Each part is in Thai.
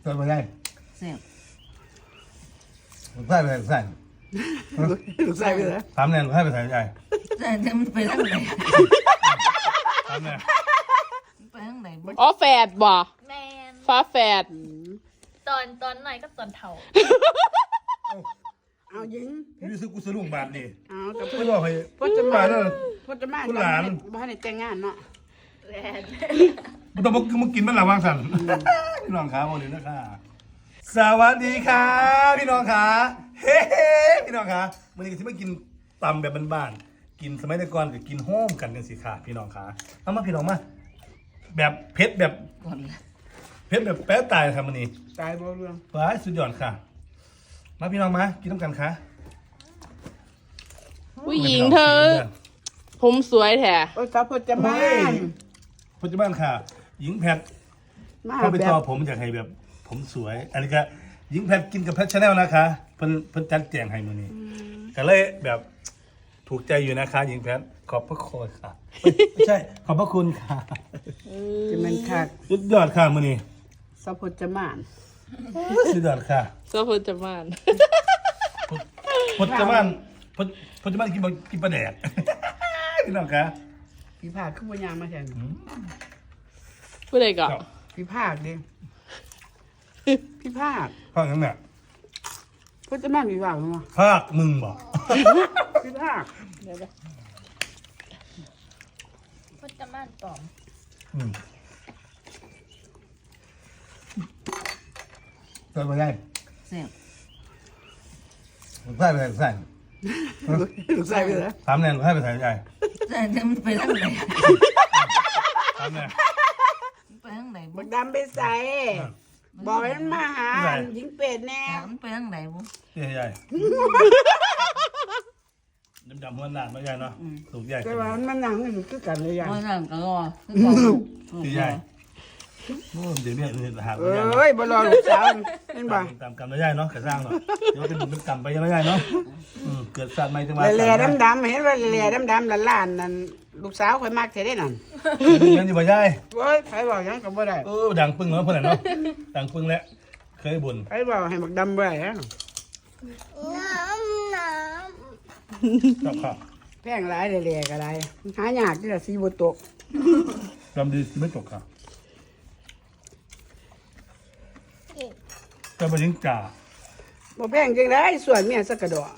ตัวมันใหญ่แซ่บลูกไส้ไปใส่ลูกไส้ลูกไส้ไปแล้วถามเนี่ยลูกไส้ไปใส่ใหญ่แต่มันไปทางไหนถามเนี่ยไปทางไหนอ๋อแฝดบ่แมนฟ้าแฝดตอนหน่อยกับตอนเท่าเอายิงนี่ซื้อกูซื้อลุงบาทนี่เอากับไม่บอกให้พ่อจะมาแล้วพ่อจะมาคุณหลานบ้านในแต่งงานเนาะแมนมันต้องมึงกินมันหลังวางสันพี่น้องขาบอกเลยนะค่ะสวัสดีค่ะพี่น้องขาเฮ้พี่น้องขาวันนี้ก็ที่มากินตำแบบบ้านๆกินสมัยแต่ก่อนก็กินโฮมกันสิค่ะพี่น้องขาเอามาพี่น้องมาแบบเผ็ดแบบก่อนละเผ็ดแบบแป๊ะตายครับวันนี้ตายบ่เรื่องว้ายสุดยอดค่ะ มาพี่น้องมากินน้ำกันค่ะผู้หญิงเธอ ผมสวยแท้โอ้ยสาวพ่อจะมาปัจจุบันค่ะ หญิงแพทมาเข้าไปแบต่อบ ผมอยากให้แบบ ผมสวย อันนี้ก็หญิงแพทกินกับแพทชาแนลนะคะเพิ่นจัดแจงให้มื้อนี้ก็เลยแบบถูกใจอยู่นะคะ หญิงแพทขอบพระคุณค่ะไม่ใช่ ขอบพระคุณค่ะจะมันคักสุดยอดค่ะมื้อนี้สาวพ่อจะมาสุดยอดค่ะโซฟจะมานพจมานพจมานกินปลาแดก พี่น้องคะพี่ภาคขึ้นบนยางมาแทนผู้ใดก่อนพี่ภาคดิพี่ภาคภาคนั้นน่ะพ่อจะมาพี่ภาคมั้งภาคมึงบอกพี่ภาคพุทธม่านปลอมตัวมันใหญ่แซ่บลูกไส้ไปใส่ลูกไส้ลูกไส้ไปแล้วถามเนี่ยลูกไส้ไปใส่ใหญ่แต่มันไปทางไหนถามเนี่ยไปทางไหนบักดำไปใส่บอกให้มันมาหาหญิงเป็ดแน่มันไปทางไหนบุใหญ่ดำหัวหนาไม่ใหญ่เนาะลูกใหญ่แต่ว่ามันนั่งอยู่คือกันเลยยังว่านั่งก็รอตีใหญ่เดี๋ยวเนี่ยหาเอ้ยบ่รอลูกสาวเห็นบ่ตามกรรมไม่ใหญ่เนาะกระสร้างเนาะเดี๋ยวเป็นบุญเป็นกรรมไปยังไม่ใหญ่เนาะเกิดสัตว์ใหม่จังหวะแหล่ดำๆเห็นว่าแหล่ดำๆล้านๆนั่นลูกสาวข่อยมักแท้ได้นั่นเงินอยู่บ่ใหญ่โอ้ยใครบอกยังก็บ่ได้ดังปึ้งเนาะเพื่อนเนาะดังปึ้งแล้วเคยบ่นใครบอกให้บักดำบ่ได้ฮะครับครับแพงหลายแหล่ๆก็ได้หายากที่จะสีบ่ตกดำดีไม่ตกค่ะจะไปยิงจ่าบ่แพงจังได๋ส่วนเมียสักกระดอก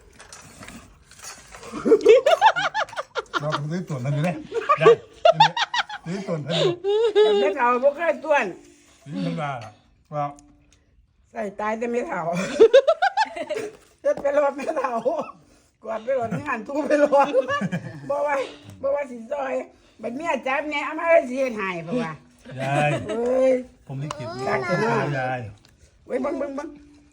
เราต้องซื้อส่วนนั้นอยู่เนี่ยได้ซื้อส่วนนั้นอยู่แต่เฒ่าบ่เคยต้วนซื้อธรรมดาว่าใส่ตายแต่ไม่เฒ่าเฮ็ดไปรอดไม่เฒ่ากวาดไปรอดงานทูไปรอดบ่ว่าสิซอยบัดเมียจับแหน่เอามาสิเฮ็ดให้เพราะว่ายายเอ้ยผมลิขิตรักกันมากยายเว้ยเบิ่ง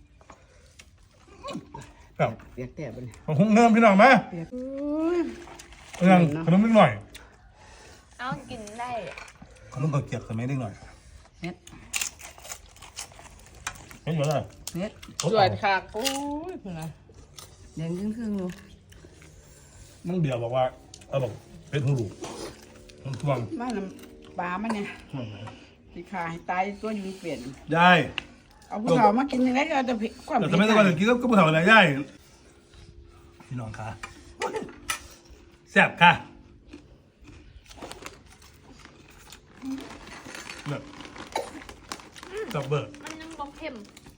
ครับเปียกแต่บัดนี้ผมคงเงิมพี่น้องไหมเปียกอุ้ยยังขนมนิดหน่อยเอากินได้ขนมก็เกียบสมัยนิดหน่อยเผ็ดเห็นอยู่เลยเผ็ดสวยคักโอ้ยนะแดงครึ่งๆอยู่น้องเดียวบอกว่าบอกเป็นหูลูกมันทวงมาน้ำปลามันเนี่ยสิขาให้ตายตัวอยู่เปลี่ยนยายเอาผู้เฒ่ามากินยังไงก็เอาแต่ความแต่เผ็ดสมัยก่อนกินก็ผู้เฒ่าอะไรยายพี่น้องค่ะแซ่บค่ะแบบจับเบิร์มันยังบอกเข้ม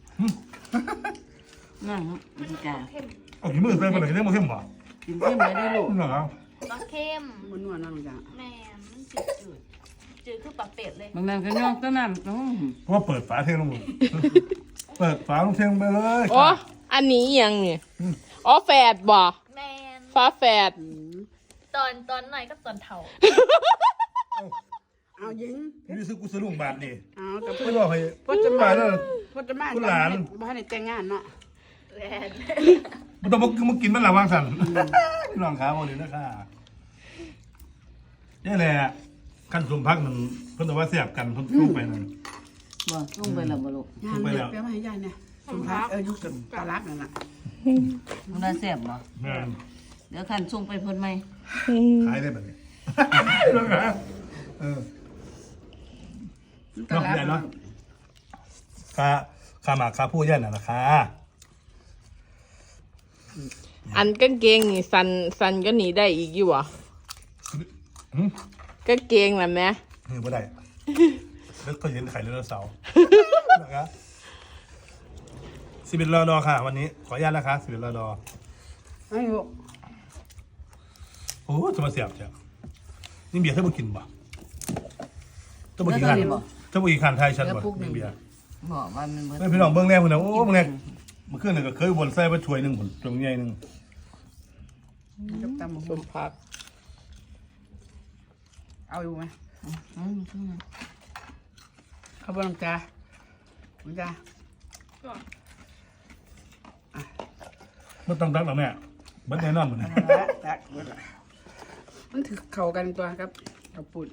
นั่งมันจะเข้มเอาขี้มือใส่ไปเลยกินได้มาเข้มป่ะกินเข้มเลยได้ลูกเหรอบอกเข้มมันนัวนั่นจ้ะแม่มันจืดคือปลาเป็ดเลยบางนั่งก็ย่องต้นน้ำต้องเพราะว่าเปิดฝาเทลงหมดเปิดฝาลงเทลงไปเลยอ๋ออันนี้ยังเนี่ยอ๋อแฝดบ่แมนฟ้าแฝดตอนหน่อยกับตอนเท่าเอายิงนี่ซื้อกูซื้อลุงบาทนี่เอากับไม่บอกให้พ่อจะมาแล้วพ่อจะมาคุณหลานบ้านในแต่งงานเนาะแมนมันต้องมากินมันหลังวางสันพี่น้องขาบอกเลยนะค่ะนี่แหละขั้นสมพักมันเพิ่นแต่ว่าเสียบกันเพิ่นลูกไปนั่นบ่ต้องไปแล้วบ่ลูกยานไปเด็แล้กวเปียมาให้ยายเนี่ยสุภาพยุคกับตาลักนั่นน่ะมันน่าแซ่บบ่แม่นเดี๋ยวขันส่งไปเพิ่นไหมขายได้แบบนี้พี่น้องขาเออตาลักเนาะค่าหมากค่าผู้ย่านน่ะราคาอันกางเกงนี่สันก็หนีได้อีกอยู่วะหืมกางเกงน่ะแม่นี่บ่ได้แล้วก็เห็นไข่ไดโนเสาร์นะครับ11 รอดอค่ะ วันนี้ขออนุญาตนะคะ11 รอดอให้ลูกโอ้จะมาเสียบเจ้านี่เบียร์เธอบ่กินบ่เธอบ่กินขันเธอบ่กินขันไทยฉันบ่นี่เบียร์บอกว่ามันเหมือนไม่พี่น้องเบิ่งแน่พุ่นน่ะโอ้เบิ่งแน่เมื่อคืนนี่ก็เคยบนใส่บ่ถ้วยหนึงพุ่นตรงใหญ่หนึงกับตำบักสหุ่งมพักเอาอยู่ไหมข้างในเอาบ่น้ำจ้าน้ำจ้าบ่ต้องตักหรอกแม่เบิดแน่นอนพุ่นน่ะตักเบิดละมันถือเข้ากันตัวครับกับปุ่น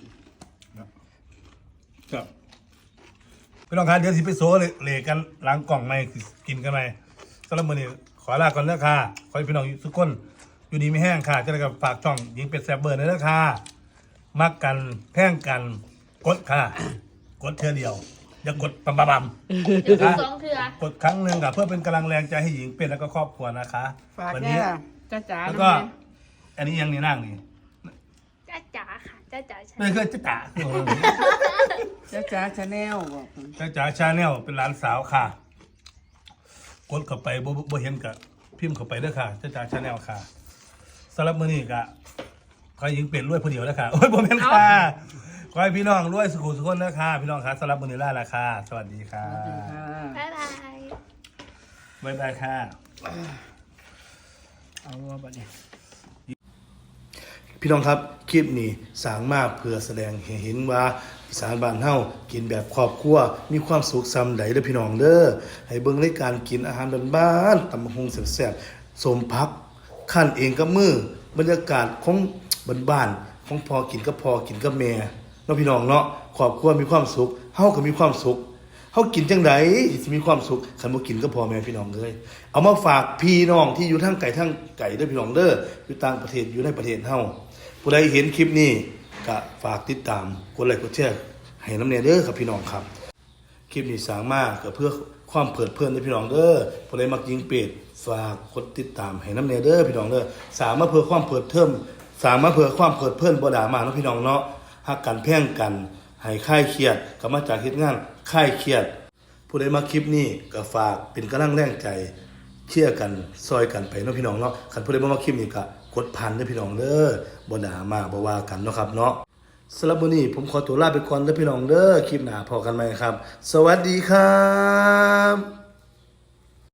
ครับพี่น้องครับเดี๋ยวสิไปโซเหลกันล้างกล่องใหม่กินกันใหม่สำหรับมื้อนี้ขอลาก่อนเด้อค่ะขอให้พี่น้องทุกคนอยู่ดีไม่แห้งค่ะจะได้กับฝากช่องยิงเป็ดแซ่บเบอร์เด้อค่ะมักกันแพงกันกดค่ะ กดเทื่อเดียว อย่ากดปั๊มปั๊มปั๊มเดี๋ยวสองเถื่อกดครั้งหนึ่งค่ะเพื่อเป็นกำลังแรงใจให้หญิงเป็ดแล้วก็ครอบครัวนะคะฝากวัแน่นี้ล่ะจ้าจ๋าแล้วน้ำก็แม่อันนี้ยังนี่นั่งนี่จ้าจ๋าค่ะจ้าจ๋าใช่ไม่เคยจะจ๋าจ้าจ๋าชาแนลบอกเพิ่นจะจ๋าชาแนลเป็นหลานสาวค่ะ กดเข้าไปบ่เห็นกับพิมพ์เข้าไปเด้อค่ะจะจ๋าชาแนลค่ะสำหรับมื้อนี้ก็ขอให้หญิงเป็ดรวยผู้เดียวนะคะโอ้ยบ่แม่นค่ะขอให้พี่น้องรวยสุขุสุขคนนะคะพี่น้องค่ะสำหรับมื้อนี้ลาละค่ะสวัสดีค่ะบ๊ายบายบ๊ายบายค่ะเอาว่าบัดนี้พี่น้องครับคลิปนี้สร้างมาเพื่อแสดงให้เห็นว่าอีสานบ้านเฮากินแบบครอบครัวมีความสุขซำใดเด้อพี่น้องเด้อให้เบิ่งรายการกินอาหารบ้านๆตำบักหุ่งแซ่บๆสมพักคั่นเองกับมือบรรยากาศของบ้านๆของพอกินกับพอกินกับแม่เนาะพี่น้องเนาะครอบครัวมีความสุขเฮาก็มีความสุขเฮากินจังไดสิมีความสุขคันบ่กินก็พอแม่พี่น้องเอ้ยเอามาฝากพี่น้องที่อยู่ทางไกลเด้อพี่น้องเด้ออยู่ต่างประเทศอยู่ในประเทศเฮา ผู้ใดเห็นคลิปนี้ก็ฝากติดตามกดไลค์กดแชร์ให้น้ำเนียเด้อครับพี่น้องครับคลิปนี้สร้างมาก็เพื่อความเพลิดเพลินให้พี่น้องเด้อผู้ใดมักยิงเป็ดฝากกดติดตามให้น้ำเนียเด้อพี่น้องเด้อสามารถเพื่อความเพลิดเพลินสามารถเพื่อความเพลิดเพลินบ่ด่ามาเนาะพี่น้องเนาะฮักกันแพ่งกันให้คลายเครียดก็มาจากเฮ็ดงานคลายเครียด ผู้ใดมาคลิปนี้ก็ฝากเป็นกำลังแรงใจเชื่อกันซอยกันไปเนาะพี่น้องเนาะคันผู้ใดบ่มาคลิปนี้ก็กดพันเด้อพี่น้องเด้อบ่ด่ามาบ่ว่ากันเนาะครับเนาะสำหรับมื้อนี้ผมขอตัวลาไปก่อนเด้อพี่น้องเด้อคลิปหน้าพอกันใหม่ครับ สวัสดีครับ